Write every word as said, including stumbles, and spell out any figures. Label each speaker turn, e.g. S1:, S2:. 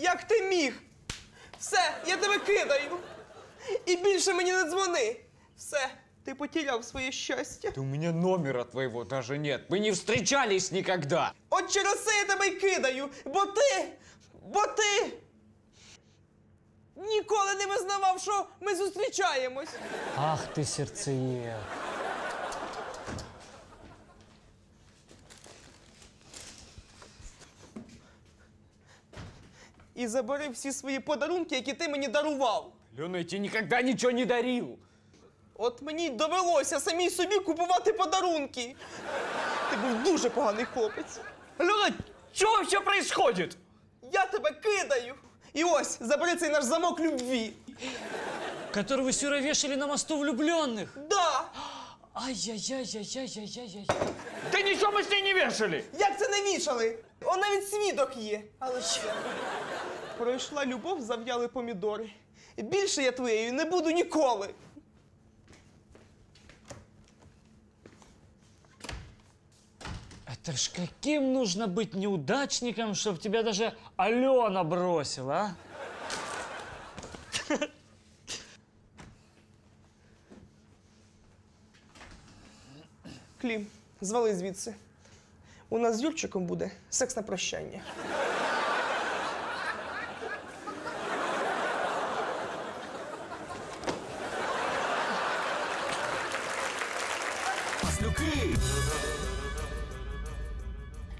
S1: Як ти міг? Все, я тебе кидаю. І більше мені не дзвони. Все, ти потеряв своє щастя.
S2: Да у меня номера твоего даже нет. Мы не встречались никогда.
S1: От через це я тебе й кидаю, бо ти, бо ти ніколи не визнавав, що ми зустрічаємось.
S3: Ах ты сердцеед.
S1: І забери всі свої подарунки, які ти мені дарував.
S2: Лена, я тебе никогда ничего не дарил.
S1: От мені й довелося самій собі купувати подарунки. Ти був дуже поганий хлопець.
S2: Лена, что вообще происходит?
S1: Я тебе кидаю. І ось, забери цей наш замок любві.
S3: Который вы с Юрой вешали на мосту влюбленных.
S1: Да!
S3: Ай-яй-яй-яй-яй-яй-яй.
S2: Да ничего мы с ней не вешали.
S1: Як це не вішали? Он навіть свідок є. Але що? Пройшла любов, зав'яли помідори. Більше я твоєю не буду ніколи.
S3: Это ж каким нужно быть неудачником, чтобы тебя даже Алена бросила, а?
S1: Клім, звали звідси. У нас з Юрчиком буде секс на прощання.
S4: Маслюки!